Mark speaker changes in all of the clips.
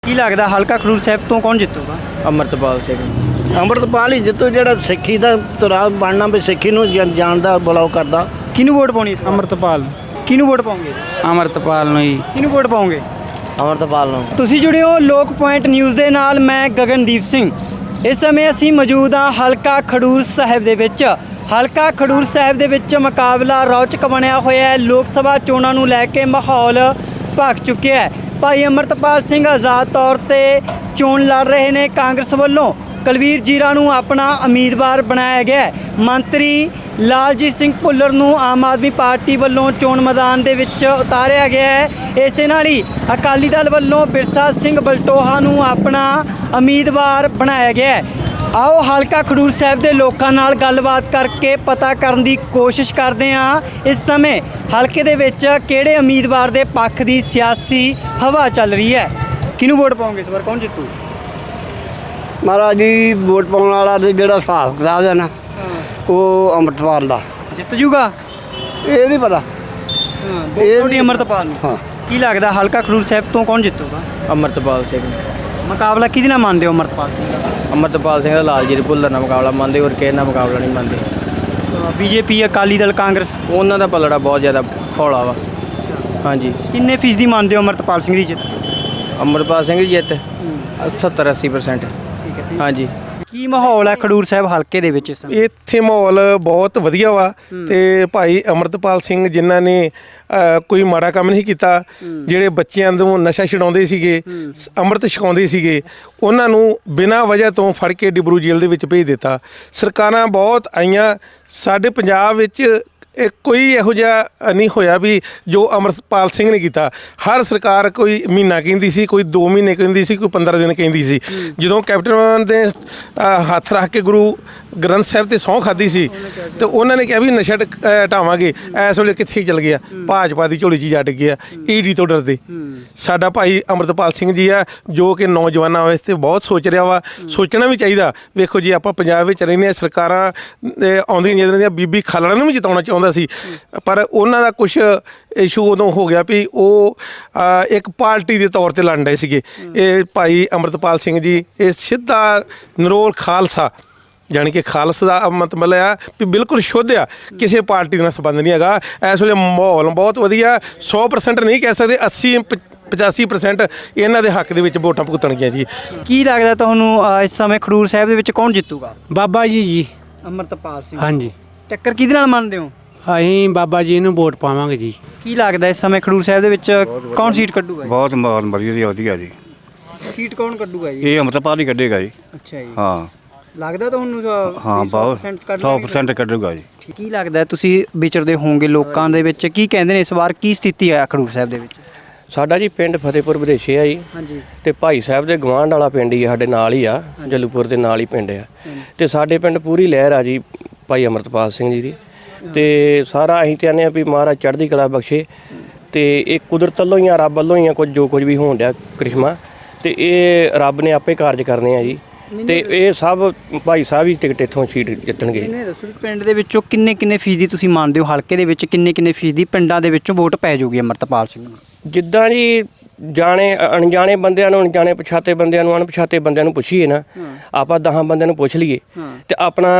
Speaker 1: ਕੀ ਲੱਗਦਾ ਹਲਕਾ ਖਡੂਰ ਸਾਹਿਬ ਤੋਂ ਕੌਣ ਜਿੱਤੂਗਾ?
Speaker 2: ਅੰਮ੍ਰਿਤਪਾਲ ਸਿੰਘ।
Speaker 3: ਅੰਮ੍ਰਿਤਪਾਲ ਹੀ ਜਿੱਤੂ, ਜਿਹੜਾ ਸਿੱਖੀ ਦਾ ਤੁਰਾ ਬਣਨਾ ਵੀ ਸਿੱਖੀ ਨੂੰ ਜਾਣਦਾ ਬੁਲਾਓ ਕਰਦਾ।
Speaker 1: ਕਿਹਨੂੰ ਵੋਟ ਪਾਉਣੀ ਇਸ ਵਾਰ?
Speaker 4: ਅੰਮ੍ਰਿਤਪਾਲ
Speaker 1: ਕਿਹਨੂੰ ਵੋਟ ਪਾਉਂਗੇ?
Speaker 4: ਅੰਮ੍ਰਿਤਪਾਲ ਨੂੰ ਹੀ।
Speaker 1: ਕਿਹਨੂੰ ਵੋਟ ਪਾਉਂਗੇ?
Speaker 3: ਅੰਮ੍ਰਿਤਪਾਲ ਨੂੰ।
Speaker 1: ਤੁਸੀਂ ਜੁੜੇ ਹੋ ਲੋਕ ਪੁਆਇੰਟ ਨਿਊਜ਼ ਦੇ ਨਾਲ। ਮੈਂ ਗਗਨਦੀਪ ਸਿੰਘ। ਇਸ ਸਮੇਂ ਅਸੀਂ ਮੌਜੂਦ ਹਾਂ ਹਲਕਾ ਖਡੂਰ ਸਾਹਿਬ ਦੇ ਵਿੱਚ। ਹਲਕਾ ਖਡੂਰ ਸਾਹਿਬ ਦੇ ਵਿੱਚ ਮੁਕਾਬਲਾ ਰੌਚਕ ਬਣਿਆ ਹੋਇਆ ਹੈ। ਲੋਕ ਸਭਾ ਚੋਣਾਂ ਨੂੰ ਲੈ ਕੇ ਮਾਹੌਲ ਭਖ ਚੁੱਕਿਆ ਹੈ। ਭਾਈ ਅੰਮ੍ਰਿਤਪਾਲ ਸਿੰਘ ਆਜ਼ਾਦ ਤੌਰ ਤੇ ਚੋਣ ਲੜ ਰਹੇ ਨੇ। ਕਾਂਗਰਸ ਵੱਲੋਂ ਕੁਲਵੀਰ ਜੀਰਾ ਨੂੰ ਆਪਣਾ ਉਮੀਦਵਾਰ ਬਣਾਇਆ ਗਿਆ ਹੈ। ਮੰਤਰੀ ਲਾਲਜੀਤ ਸਿੰਘ ਭੁੱਲਰ ਨੂੰ ਆਮ ਆਦਮੀ ਪਾਰਟੀ ਵੱਲੋਂ ਚੋਣ ਮੈਦਾਨ ਦੇ ਵਿੱਚ ਉਤਾਰਿਆ ਗਿਆ ਹੈ। ਇਸੇ ਨਾਲ ਹੀ ਅਕਾਲੀ ਦਲ ਵੱਲੋਂ ਬਿਰਸਾ ਸਿੰਘ ਬਲਟੋਹਾ ਨੂੰ ਆਪਣਾ ਉਮੀਦਵਾਰ ਬਣਾਇਆ ਗਿਆ ਹੈ। ਆਓ ਹਲਕਾ ਖਡੂਰ ਸਾਹਿਬ ਦੇ ਲੋਕਾਂ ਨਾਲ ਗੱਲਬਾਤ ਕਰਕੇ ਪਤਾ ਕਰਨ ਦੀ ਕੋਸ਼ਿਸ਼ ਕਰਦੇ ਹਾਂ ਇਸ ਸਮੇਂ ਹਲਕੇ ਦੇ ਵਿੱਚ ਕਿਹੜੇ ਉਮੀਦਵਾਰ ਦੇ ਪੱਖ ਦੀ ਸਿਆਸੀ ਹਵਾ ਚੱਲ ਰਹੀ ਹੈ। ਕਿਹਨੂੰ ਵੋਟ ਪਾਉਂਗੇ ਇਸ ਵਾਰ? ਕੌਣ ਜਿੱਤੂ?
Speaker 3: ਮਹਾਰਾਜ ਜੀ ਵੋਟ ਪਾਉਣ ਵਾਲਾ ਤੇ ਜਿਹੜਾ ਹਿਸਾਬ ਕਿਤਾਬ ਹੈ ਨਾ ਉਹ ਅੰਮ੍ਰਿਤਪਾਲ ਦਾ
Speaker 1: ਜਿੱਤ ਜੂਗਾ?
Speaker 3: ਇਹ ਨਹੀਂ ਪਤਾ।
Speaker 1: ਤੁਹਾਡੀ ਅੰਮ੍ਰਿਤਪਾਲ ਨੂੰ।
Speaker 3: ਹਾਂ।
Speaker 1: ਕੀ ਲੱਗਦਾ ਹਲਕਾ ਖਡੂਰ ਸਾਹਿਬ ਤੋਂ ਕੌਣ ਜਿੱਤੂਗਾ?
Speaker 2: ਅੰਮ੍ਰਿਤਪਾਲ ਸਿੰਘ।
Speaker 1: ਮੁਕਾਬਲਾ ਕਿਹਦੇ ਨਾਲ ਮੰਨਦੇ ਹੋ ਅੰਮ੍ਰਿਤਪਾਲ ਸਿੰਘ ਦਾ?
Speaker 2: ਅੰਮ੍ਰਿਤਪਾਲ ਸਿੰਘ ਦਾ ਲਾਲਜੀਤ ਭੁੱਲਰ ਨਾਲ ਮੁਕਾਬਲਾ ਮੰਨਦੇ, ਹੋਰ ਕਿਸੇ ਨਾਲ ਮੁਕਾਬਲਾ ਨਹੀਂ ਮੰਨਦੇ।
Speaker 1: ਬੀਜੇਪੀ, ਅਕਾਲੀ ਦਲ, ਕਾਂਗਰਸ
Speaker 2: ਉਹਨਾਂ ਦਾ ਪਲੜਾ ਬਹੁਤ ਜ਼ਿਆਦਾ ਹੌਲਾ ਵਾ। ਹਾਂਜੀ।
Speaker 1: ਕਿੰਨੇ ਫੀਸਦੀ ਮੰਨਦੇ ਹੋ ਅੰਮ੍ਰਿਤਪਾਲ ਸਿੰਘ ਦੀ ਜਿੱਤ?
Speaker 2: ਅੰਮ੍ਰਿਤਪਾਲ ਸਿੰਘ ਦੀ ਜਿੱਤ 70-80%।
Speaker 1: ਠੀਕ ਹੈ।
Speaker 2: ਹਾਂਜੀ।
Speaker 1: ਕੀ ਮਾਹੌਲ ਹੈ ਖਡੂਰ ਸਾਹਿਬ ਹਲਕੇ ਦੇ ਵਿੱਚ ਇਸ ਸਮੇਂ?
Speaker 4: ਇੱਥੇ ਮਾਹੌਲ ਬਹੁਤ ਵਧੀਆ ਵਾ ਤੇ ਭਾਈ ਅੰਮ੍ਰਿਤਪਾਲ ਸਿੰਘ ਜਿਨ੍ਹਾਂ ਨੇ ਕੋਈ ਮਾੜਾ ਕੰਮ ਨਹੀਂ ਕੀਤਾ, ਜਿਹੜੇ ਬੱਚਿਆਂ ਨੂੰ ਨਸ਼ਾ ਛਡਾਉਂਦੇ ਸੀਗੇ, ਅੰਮ੍ਰਿਤ ਛਕਾਉਂਦੇ ਸੀਗੇ, ਉਹਨਾਂ ਨੂੰ ਬਿਨਾਂ ਵਜ੍ਹਾ ਤੋਂ ਫੜ ਕੇ ਡਿਬਰੂ ਜੇਲ੍ਹ ਦੇ ਵਿੱਚ ਭੇਜ ਦਿੱਤਾ। ਸਰਕਾਰਾਂ ਬਹੁਤ ਆਈਆਂ ਸਾਡੇ ਪੰਜਾਬ ਵਿੱਚ, ਕੋਈ ਇਹੋ ਜਿਹਾ ਨਹੀਂ ਹੋਇਆ ਵੀ ਜੋ ਅੰਮ੍ਰਿਤਪਾਲ ਸਿੰਘ ਨੇ ਕੀਤਾ। ਹਰ ਸਰਕਾਰ ਕੋਈ ਮਹੀਨਾ ਕਹਿੰਦੀ ਸੀ, ਕੋਈ 2 ਮਹੀਨੇ ਕਹਿੰਦੀ ਸੀ, ਕੋਈ 15 ਦਿਨ ਕਹਿੰਦੀ ਸੀ। ਜਦੋਂ ਕੈਪਟਨ ਨੇ ਹੱਥ ਰੱਖ ਕੇ ਗੁਰੂ ਗ੍ਰੰਥ ਸਾਹਿਬ ਤੇ ਸਹੁੰ ਖਾਧੀ ਸੀ ਤੇ ਉਹਨਾਂ ਨੇ ਕਿਹਾ ਵੀ ਨਸ਼ਾ ਹਟਾਵਾਂਗੇ, ਇਸ ਵੇਲੇ ਕਿੱਥੇ ਚਲ ਗਿਆ? ਭਾਜਪਾ ਦੀ ਝੋਲੀ 'ਚ ਜੱਟ ਗਿਆ, ਈਡੀ ਤੋਂ ਡਰਦੇ। ਸਾਡਾ ਭਾਈ ਅੰਮ੍ਰਿਤਪਾਲ ਸਿੰਘ ਜੀ ਆ ਜੋ ਕਿ ਨੌਜਵਾਨਾਂ ਵਾਸਤੇ ਬਹੁਤ ਸੋਚ ਰਿਹਾ ਵਾ। ਸੋਚਣਾ ਵੀ ਚਾਹੀਦਾ। ਵੇਖੋ ਜੀ, ਆਪਾਂ ਪੰਜਾਬ ਵਿੱਚ ਰਹਿੰਦੇ ਹਾਂ, ਸਰਕਾਰਾਂ ਆਉਂਦੀਆਂ ਜਾਂਦੀਆਂ, ਬੀਬੀ ਖਾਲੜਾ ਨੂੰ ਵੀ ਜਿਤਾਉਣਾ ਚਾਹੁੰਦਾ ਸੀ, ਪਰ ਉਹਨਾਂ ਦਾ ਕੁਛ ਇਸ਼ੂ ਉਦੋਂ ਹੋ ਗਿਆ ਵੀ ਉਹ ਇੱਕ ਪਾਰਟੀ ਦੇ ਤੌਰ ਤੇ ਲੜ ਰਹੇ ਸੀਗੇ। ਇਹ ਭਾਈ ਅੰਮ੍ਰਿਤਪਾਲ ਸਿੰਘ ਜੀ ਇਹ ਸਿੱਧਾ ਨਿਰੋਲ ਖਾਲਸਾ, ਜਾਣੀ ਕਿ ਖਾਲਸਾ ਦਾ ਮਤਲਬ ਆ ਵੀ ਬਿਲਕੁਲ ਸ਼ੁੱਧ ਆ, ਕਿਸੇ ਪਾਰਟੀ ਨਾਲ ਸੰਬੰਧ ਨਹੀਂ ਹੈਗਾ। ਇਸ ਵੇਲੇ ਮਾਹੌਲ ਬਹੁਤ ਵਧੀਆ। 100% ਨਹੀਂ ਕਹਿ ਸਕਦੇ, 80-85% ਇਹਨਾਂ ਦੇ ਹੱਕ ਦੇ ਵਿੱਚ ਵੋਟਾਂ ਭੁਗਤਣਗੀਆਂ ਜੀ।
Speaker 1: ਕੀ ਲੱਗਦਾ ਤੁਹਾਨੂੰ ਇਸ ਸਮੇਂ ਖਡੂਰ ਸਾਹਿਬ ਦੇ ਵਿੱਚ ਕੌਣ ਜਿੱਤੂਗਾ?
Speaker 4: ਬਾਬਾ ਜੀ।
Speaker 1: ਅੰਮ੍ਰਿਤਪਾਲ ਸਿੰਘ।
Speaker 4: ਹਾਂਜੀ।
Speaker 1: ਟੱਕਰ ਕਿਹਦੇ ਨਾਲ ਮੰਨਦੇ ਹੋ?
Speaker 4: ਅਸੀਂ ਬਾਬਾ ਜੀ ਨੂੰ ਵੋਟ ਪਾਵਾਂਗੇ ਜੀ।
Speaker 1: ਕੀ ਲੱਗਦਾ ਇਸ ਸਮੇਂ ਖਡੂਰ ਸਾਹਿਬ ਦੇ ਵਿੱਚ ਕੌਣ ਸੀਟ ਕੱਢੂਗਾ?
Speaker 5: ਬਹੁਤ ਵਧੀਆ ਜੀ।
Speaker 1: ਸੀਟ ਕੌਣ ਕੱਢੂਗਾ ਜੀ?
Speaker 5: ਇਹ ਅੰਮ੍ਰਿਤਪਾਲ ਹੀ ਕੱਢੇਗਾ ਜੀ।
Speaker 1: ਅੱਛਾ ਜੀ।
Speaker 5: ਹਾਂ
Speaker 1: ਲੱਗਦਾ ਤੁਹਾਨੂੰ?
Speaker 5: ਹਾਂ, ਬਹੁਤ 100% ਕੱਢੂਗਾ ਜੀ।
Speaker 1: ਕੀ ਲੱਗਦਾ ਤੁਸੀਂ ਵਿਚਰਦੇ ਹੋਵੋਗੇ ਲੋਕਾਂ ਦੇ ਵਿੱਚ, ਕੀ ਕਹਿੰਦੇ ਨੇ ਇਸ ਵਾਰ ਕੀ ਸਥਿਤੀ ਹੈ ਖਡੂਰ ਸਾਹਿਬ ਦੇ ਵਿੱਚ?
Speaker 6: ਸਾਡਾ ਜੀ ਪਿੰਡ ਫਤਿਹਪੁਰ ਵਿਦੇਸ਼ੇ ਆ ਜੀ।
Speaker 1: ਹਾਂਜੀ।
Speaker 6: ਤੇ ਭਾਈ ਸਾਹਿਬ ਦੇ ਗਵਾਂਢ ਵਾਲਾ ਪਿੰਡ ਹੀ ਸਾਡੇ ਨਾਲ ਹੀ ਆ, ਜਲੂਪੁਰ ਦੇ ਨਾਲ ਹੀ ਪਿੰਡ ਆ। ਤੇ ਸਾਡੇ ਪਿੰਡ ਪੂਰੀ ਲਹਿਰ ਆ ਜੀ ਭਾਈ ਅੰਮ੍ਰਿਤਪਾਲ ਸਿੰਘ ਜੀ ਦੀ। ਤੇ ਸਾਰਾ ਅਸੀਂ ਚਾਹੁੰਦੇ ਆ ਵੀ ਮਹਾਰਾਜ ਚੜ੍ਹਦੀ ਕਲਾ ਬਖਸ਼ੇ। ਤੇ ਇਹ ਕੁਦਰਤ ਵੱਲੋਂ ਹੀ ਆ, ਰੱਬ ਵੱਲੋਂ ਹੀ ਆ, ਕੁਝ ਜੋ ਕੁਝ ਵੀ ਹੋਣ ਡਿਆ ਕ੍ਰਿਸ਼ਮਾ, ਤੇ ਇਹ ਰੱਬ ਨੇ ਆਪੇ ਕਾਰਜ ਕਰਨੇ ਆ ਜੀ। ਤੇ ਇਹ ਸਭ ਭਾਈ ਸਾਹਿਬ ਹੀ ਟਿਕਟ ਇੱਥੋਂ ਸੀਟ ਜਿੱਤਣਗੇ।
Speaker 1: ਇਹਨੇ ਦੱਸੋ ਵੀ ਪਿੰਡ ਦੇ ਵਿੱਚੋਂ ਕਿੰਨੇ ਫੀਸਦੀ ਤੁਸੀਂ ਮੰਨਦੇ ਹੋ, ਹਲਕੇ ਦੇ ਵਿੱਚ ਕਿੰਨੇ ਫੀਸਦੀ ਪਿੰਡਾਂ ਦੇ ਵਿੱਚੋਂ ਵੋਟ ਪੈ ਜਾਊਗੀ ਅੰਮ੍ਰਿਤਪਾਲ ਸਿੰਘ ਨੂੰ?
Speaker 6: ਜਿੱਦਾਂ ਜੀ ਜਾਣੇ ਅਣਜਾਣੇ ਬੰਦਿਆਂ ਨੂੰ, ਅਣਜਾਣੇ ਪਛਾਤੇ ਬੰਦਿਆਂ ਨੂੰ, ਅਣਪਛਾਤੇ ਬੰਦਿਆਂ ਨੂੰ ਪੁੱਛੀਏ ਨਾ, ਆਪਾਂ 10 ਬੰਦਿਆਂ ਨੂੰ ਪੁੱਛ ਲਈਏ ਤੇ ਆਪਣਾ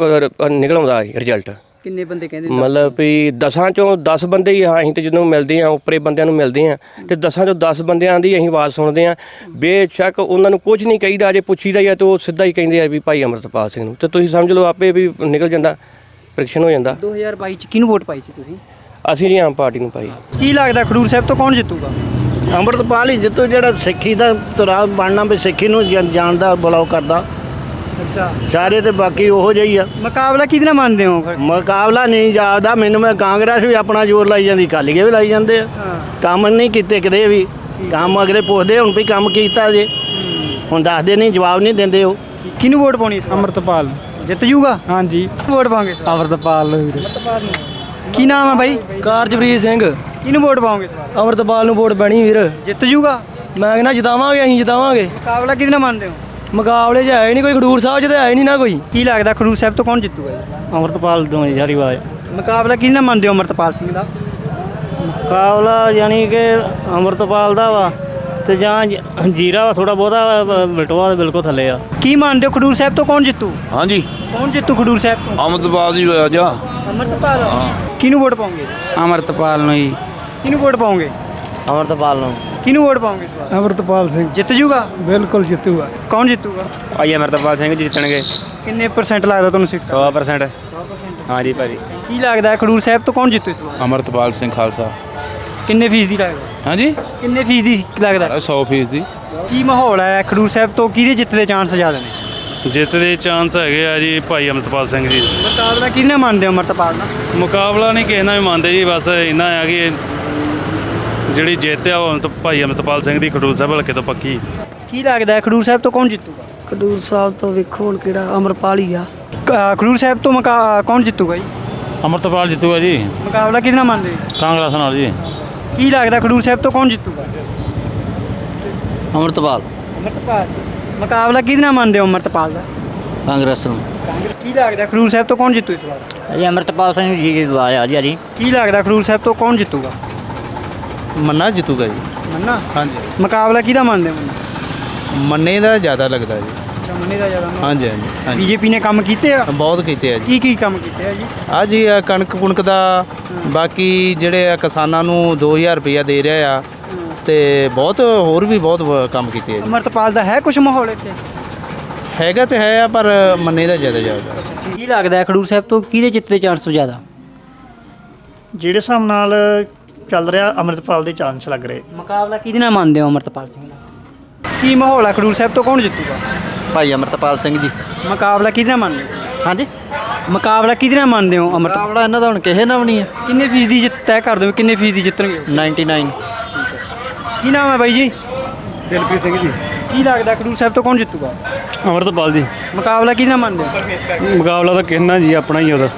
Speaker 6: ਨਿਕਲ ਆਉਂਦਾ ਰਿਜ਼ਲਟ।
Speaker 1: ਕਿੰਨੇ ਬੰਦੇ ਕਹਿੰਦੇ?
Speaker 6: ਮਤਲਬ ਵੀ 10 ਚੋਂ 10 ਬੰਦੇ ਹੀ ਅਸੀਂ ਤੇ ਜਦੋਂ ਮਿਲਦੇ ਆ ਉੱਪਰੇ ਬੰਦਿਆਂ ਨੂੰ ਮਿਲਦੇ ਆ ਤੇ 10 ਚੋਂ 10 ਬੰਦਿਆਂ ਦੀ ਅਸੀਂ ਆਵਾਜ਼ ਸੁਣਦੇ ਆ। ਬੇਸ਼ੱਕ ਉਹਨਾਂ ਨੂੰ ਕੁਝ ਨਹੀਂ ਕਹੀਦਾ, ਜੇ ਪੁੱਛੀਦਾ ਜਾਂ ਤੇ ਉਹ ਸਿੱਧਾ ਹੀ ਕਹਿੰਦੇ ਆ ਵੀ ਭਾਈ ਅੰਮ੍ਰਿਤਪਾਲ ਸਿੰਘ ਨੂੰ। ਤੇ ਤੁਸੀਂ ਸਮਝ ਲਓ ਆਪੇ ਵੀ ਨਿਕਲ ਜਾਂਦਾ, ਪ੍ਰਿਕਸ਼ਨ ਹੋ ਜਾਂਦਾ।
Speaker 1: 2022 ਚ ਕਿਹਨੂੰ ਵੋਟ ਪਾਈ ਸੀ ਤੁਸੀਂ?
Speaker 6: ਅਸੀਂ ਜੀ ਆਮ ਪਾਰਟੀ ਨੂੰ ਪਾਈ।
Speaker 1: ਕੀ ਲੱਗਦਾ ਖਡੂਰ ਸਾਹਿਬ ਤੋਂ ਕੌਣ ਜਿੱਤੂਗਾ?
Speaker 3: ਅੰਮ੍ਰਿਤਪਾਲ ਹੀ ਜਿੱਤੂ, ਜਿਹੜਾ ਸਿੱਖੀ ਦਾ ਤੁਰਾ ਬਣਨਾ ਵੀ ਸਿੱਖੀ ਨੂੰ ਜਾਣਦਾ ਬੁਲਾਓ ਕਰਦਾ।
Speaker 1: ਅੱਛਾ।
Speaker 3: ਸਾਰੇ ਤੇ ਬਾਕੀ ਉਹੋ ਜਿਹੀ ਆ।
Speaker 1: ਮੁਕਾਬਲਾ ਕਿਹਦੇ ਨਾਲ ਮੰਨਦੇ ਹੋ ਫਿਰ?
Speaker 3: ਮੁਕਾਬਲਾ ਨਹੀਂ ਜਾਪਦਾ ਮੈਨੂੰ। ਮੈਂ ਕਾਂਗਰਸ ਵੀ ਆਪਣਾ ਜ਼ੋਰ ਲਾਈ ਜਾਂਦੀ, ਅਕਾਲੀ ਵੀ ਲਾਈ ਜਾਂਦੇ ਆ। ਕੰਮ ਨਹੀਂ ਕੀਤੇ ਕਿਤੇ ਵੀ। ਕੰਮ ਅਗਲੇ ਪੁੱਛਦੇ ਹੁਣ ਵੀ ਕੰਮ ਕੀਤਾ ਜੇ, ਹੁਣ ਦੱਸਦੇ ਨਹੀਂ, ਜਵਾਬ ਨਹੀਂ ਦਿੰਦੇ ਉਹ।
Speaker 1: ਕਿਹਨੂੰ ਵੋਟ ਪਾਉਣੀ?
Speaker 4: ਅੰਮ੍ਰਿਤਪਾਲ।
Speaker 1: ਜਿੱਤ ਜੂਗਾ?
Speaker 4: ਹਾਂਜੀ।
Speaker 1: ਵੋਟ ਪਾਉਂਗੇ?
Speaker 4: ਅੰਮ੍ਰਿਤਪਾਲ ਨੂੰ ਵੀਰੇ।
Speaker 1: ਕੀ ਨਾਮ ਹੈ ਬਾਈ?
Speaker 7: ਕਾਰਜਪ੍ਰੀਤ ਸਿੰਘ।
Speaker 1: ਕਿਹਨੂੰ ਵੋਟ ਪਾਉਂਗੇ ਇਸ ਵਾਰ?
Speaker 7: ਅੰਮ੍ਰਿਤਪਾਲ ਨੂੰ ਵੋਟ ਪੈਣੀ ਵੀਰ।
Speaker 1: ਜਿੱਤ ਜੂਗਾ?
Speaker 7: ਮੈਂ ਕਹਿੰਦਾ ਜਿਤਾਵਾਂਗੇ, ਅਸੀਂ ਜਿਤਾਵਾਂਗੇ।
Speaker 1: ਮੁਕਾਬਲਾ ਕਿਹਦੇ ਨਾਲ ਮੰਨਦੇ ਹੋ?
Speaker 7: ਮੁਕਾਬਲੇ 'ਚ ਹੈ ਨਹੀਂ ਕੋਈ, ਖਡੂਰ ਸਾਹਿਬ 'ਚ ਤਾਂ ਹੈ ਨਹੀਂ ਨਾ ਕੋਈ।
Speaker 1: ਕੀ ਲੱਗਦਾ ਖਡੂਰ ਸਾਹਿਬ ਤੋਂ ਕੌਣ ਜਿੱਤੂਗਾ ਜੀ?
Speaker 4: ਅੰਮ੍ਰਿਤਪਾਲ ਤੋਂ ਯਾਰੀ ਆਵਾਜ਼।
Speaker 1: ਮੁਕਾਬਲਾ ਕਿਹਦੇ ਨਾਲ ਮੰਨਦੇ ਹੋ ਅੰਮ੍ਰਿਤਪਾਲ ਸਿੰਘ ਦਾ?
Speaker 4: ਮੁਕਾਬਲਾ ਯਾਨੀ ਕਿ ਅੰਮ੍ਰਿਤਪਾਲ ਦਾ ਵਾ
Speaker 8: ਤੇ ਜਾਂ ਜੀਰਾ ਥੋੜਾ ਬਹੁਤਾ ਬਲਟੋਆ ਬਿਲਕੁਲ ਥੱਲੇ ਆ।
Speaker 1: ਕੀ ਮੰਨਦੇ ਹੋ ਖਡੂਰ ਸਾਹਿਬ ਤੋਂ ਕੌਣ ਜਿੱਤੂ?
Speaker 9: ਹਾਂਜੀ
Speaker 1: ਕੌਣ ਜਿੱਤੂ ਖਡੂਰ ਸਾਹਿਬ ਤੋਂ?
Speaker 9: ਅਮਰਤਪਾਲ ਜੀ ਰਾਜਾ।
Speaker 1: ਅਮਰਤਪਾਲ ਕਿਹਨੂੰ ਵੋਟ ਪਾਉਂਗੇ?
Speaker 2: ਅਮਰਤਪਾਲ ਨੂੰ ਜੀ।
Speaker 1: ਕਿਹਨੂੰ ਵੋਟ ਪਾਉਂਗੇ?
Speaker 2: ਅਮਰਤਪਾਲ ਨੂੰ।
Speaker 1: ਕਿਹਨੂੰ ਵੋਟ ਪਾਉਂਗੇ ਇਸ ਵਾਰ?
Speaker 10: ਅਮਰਤਪਾਲ ਸਿੰਘ
Speaker 1: ਜਿੱਤ ਜੂਗਾ?
Speaker 10: ਬਿਲਕੁਲ ਜਿੱਤੂਗਾ।
Speaker 1: ਕੌਣ ਜਿੱਤੂਗਾ?
Speaker 2: ਭਾਈ ਅਮਰਤਪਾਲ ਸਿੰਘ ਜੀ ਜਿੱਤਣਗੇ।
Speaker 1: ਕਿੰਨੇ ਪਰਸੈਂਟ ਲੱਗਦਾ ਤੁਹਾਨੂੰ ਸੀਟ?
Speaker 2: 100%। ਹਾਂਜੀ ਭਾਜੀ।
Speaker 1: ਕੀ ਲੱਗਦਾ ਹੈ ਖਡੂਰ ਸਾਹਿਬ ਤੋਂ ਕੌਣ ਜਿੱਤੂ ਇਸ ਵਾਰ?
Speaker 9: ਅਮਰਤਪਾਲ ਸਿੰਘ ਖਾਲਸਾ।
Speaker 1: ਕਿੰਨੇ ਫੀਸਦੀ ਲੱਗਦਾ?
Speaker 9: ਹਾਂਜੀ
Speaker 1: ਕਿੰਨੇ ਫੀਸਦੀ ਲੱਗਦਾ?
Speaker 9: 100% ਦੀ।
Speaker 1: ਕੀ ਮਾਹੌਲ ਹੈ ਖਡੂਰ ਸਾਹਿਬ ਤੋਂ, ਕਿਹਦੇ ਜਿੱਤ ਦੇ ਚਾਂਸ ਜ਼ਿਆਦਾ ਨੇ?
Speaker 11: ਜਿੱਤ ਦੇ ਚਾਂਸ ਹੈਗੇ ਆ ਜੀ ਭਾਈ ਅਮਰਤਪਾਲ ਸਿੰਘ ਜੀ।
Speaker 1: ਮੁਕਾਬਲਾ ਕਿਹਨੇ ਮੰਨਦੇ ਹੋ ਅਮਰਤਪਾਲ ਦਾ?
Speaker 11: ਮੁਕਾਬਲਾ ਨਹੀਂ ਕਿਸੇ ਨਾਲ ਵੀ ਮੰਨਦੇ ਜੀ, ਬਸ ਇੰਨਾ ਆ ਕਿ ਜਿਹੜੀ ਜਿੱਤ ਆ ਉਹ ਭਾਈ ਅਮਰਤਪਾਲ ਸਿੰਘ ਦੀ ਖਡੂਰ ਸਾਹਿਬ ਹਲਕੇ ਤੋਂ ਪੱਕੀ।
Speaker 1: ਕੀ ਲੱਗਦਾ ਹੈ ਖਡੂਰ ਸਾਹਿਬ ਤੋਂ ਕੌਣ ਜਿੱਤੂਗਾ?
Speaker 7: ਖਡੂਰ ਸਾਹਿਬ ਤੋਂ ਵੇਖੋ ਹੁਣ ਕਿਹੜਾ ਅਮਰਪਾਲ ਹੀ ਆ।
Speaker 1: ਖਡੂਰ ਸਾਹਿਬ ਤੋਂ ਕੌਣ ਜਿੱਤੂਗਾ ਜੀ?
Speaker 11: ਅਮਰਤਪਾਲ ਜਿੱਤੂਗਾ ਜੀ,
Speaker 1: ਮੁਕਾਬਲਾ ਕਿਹਦੇ ਨਾਲ ਮੰਨਦੇ ਹੋ?
Speaker 11: ਕਾਂਗਰਸ ਨਾਲ ਜੀ।
Speaker 1: ਕੀ ਲੱਗਦਾ ਖਡੂਰ ਸਾਹਿਬ ਤੋਂ ਕੌਣ ਜਿੱਤੂਗਾ?
Speaker 2: ਅਮਰਤਪਾਲ।
Speaker 1: ਅਮਰਤਪਾਲ। ਮੁਕਾਬਲਾ ਕਿਹਦੇ ਨਾਲ ਮੰਨਦੇ ਹੋ ਅਮਰਤਪਾਲ ਦਾ?
Speaker 2: ਕਾਂਗਰਸ ਨੂੰ।
Speaker 1: ਕੀ ਲੱਗਦਾ ਖਡੂਰ ਸਾਹਿਬ ਤੋਂ ਕੌਣ ਜਿੱਤੂ ਇਸ ਵਾਰ?
Speaker 2: ਜੀ ਅਮਰਤਪਾਲ ਸਿੰਘ ਜੀ ਆਇਆ ਜੀ।
Speaker 1: ਕੀ ਲੱਗਦਾ ਖਡੂਰ ਸਾਹਿਬ ਤੋਂ ਕੌਣ ਜਿੱਤੂਗਾ?
Speaker 3: ਮੰਨਾ ਜਿੱਤੂਗਾ ਜੀ।
Speaker 1: ਮੰਨਾ।
Speaker 3: ਹਾਂਜੀ
Speaker 1: ਮੁਕਾਬਲਾ ਕਿਹਦਾ ਮੰਨਦੇ ਹੋ? ਮੰਨਾ।
Speaker 3: ਮੰਨੇ ਦਾ ਜ਼ਿਆਦਾ ਲੱਗਦਾ ਜੀ।
Speaker 1: ਅੱਛਾ, ਮੰਨੇ ਦਾ ਜ਼ਿਆਦਾ।
Speaker 3: ਹਾਂਜੀ ਹਾਂਜੀ
Speaker 1: ਬੀਜੇਪੀ ਨੇ ਕੰਮ ਕੀਤੇ ਆ?
Speaker 3: ਬਹੁਤ ਕੀਤੇ ਆ ਜੀ।
Speaker 1: ਕੀ ਕੀ ਕੰਮ ਕੀਤੇ ਆ ਜੀ?
Speaker 3: ਆ ਜੀ ਆ ਕਣਕ ਕੁਣਕ ਦਾ, ਬਾਕੀ ਜਿਹੜੇ ਆ ਕਿਸਾਨਾਂ ਨੂੰ 2000 ਰੁਪਇਆ ਦੇ ਰਿਹਾ ਆ, ਤੇ ਬਹੁਤ ਹੋਰ ਵੀ ਬਹੁਤ ਕੰਮ ਕੀਤੇ ਆ ਜੀ।
Speaker 1: ਅਮਰਤਪਾਲ ਦਾ ਹੈ ਕੁਝ ਮਾਹੌਲ ਇੱਥੇ?
Speaker 3: ਹੈਗਾ ਤੇ ਹੈ ਆ, ਪਰ ਮੰਨੇ ਦਾ ਜ਼ਿਆਦਾ
Speaker 1: ਕੀ ਲੱਗਦਾ ਹੈ ਖਡੂਰ ਸਾਹਿਬ ਤੋਂ ਕਿਹਦੇ ਜਿੱਤ ਦੇ ਚਾਂਸ ਜ਼ਿਆਦਾ?
Speaker 8: ਜਿਹੜੇ ਹਿਸਾਬ ਨਾਲ ਚੱਲ ਰਿਹਾ ਅਮਰਤਪਾਲ ਦੇ ਚਾਂਸ ਲੱਗ ਰਹੇ।
Speaker 1: ਮੁਕਾਬਲਾ ਕਿਹਦੇ ਨਾਲ ਮੰਨਦੇ ਹੋ ਅਮਰਤਪਾਲ ਸਿੰਘ ਦਾ? ਕੀ ਮਾਹੌਲ ਹੈ ਖਡੂਰ ਸਾਹਿਬ ਤੋਂ ਕੌਣ ਜਿੱਤੂਗਾ?
Speaker 2: ਭਾਈ ਅਮਰਤਪਾਲ ਸਿੰਘ ਜੀ।
Speaker 1: ਮੁਕਾਬਲਾ ਕਿਹਦੇ ਨਾਲ ਮੰਨਦੇ ਹੋ?
Speaker 2: ਹਾਂਜੀ
Speaker 1: ਮੁਕਾਬਲਾ ਕਿਹਦੇ ਨਾਲ ਮੰਨਦੇ ਹੋ ਅਮਰਤਪਾਲ?
Speaker 2: ਮੁਕਾਬਲਾ ਇਹਨਾਂ ਦਾ ਹੁਣ ਕਿਸੇ ਨਾਲ ਵੀ ਨਹੀਂ ਹੈ।
Speaker 1: ਕਿੰਨੇ ਫੀਸਦੀ ਜਿੱਤ ਤੈਅ ਕਰ ਦਿਓ, ਕਿੰਨੇ ਫੀਸਦੀ ਜਿੱਤਣਗੇ?
Speaker 2: 99।
Speaker 1: ਕੀ ਨਾਮ ਹੈ ਬਾਈ ਜੀ?
Speaker 10: ਦਿਲਪ੍ਰੀਤ ਸਿੰਘ ਜੀ।
Speaker 1: ਕੀ ਲੱਗਦਾ ਖਡੂਰ ਸਾਹਿਬ ਤੋਂ ਕੌਣ ਜਿੱਤੂਗਾ?
Speaker 10: ਅਮਰਤਪਾਲ ਜੀ।
Speaker 1: ਮੁਕਾਬਲਾ ਕਿਹਦੇ ਨਾਲ ਮੰਨਦੇ ਹੋ?
Speaker 10: ਮੁਕਾਬਲਾ ਤਾਂ ਕਿਹਨਾਂ ਜੀ ਆਪਣਾ ਹੀ ਉਹਦਾ।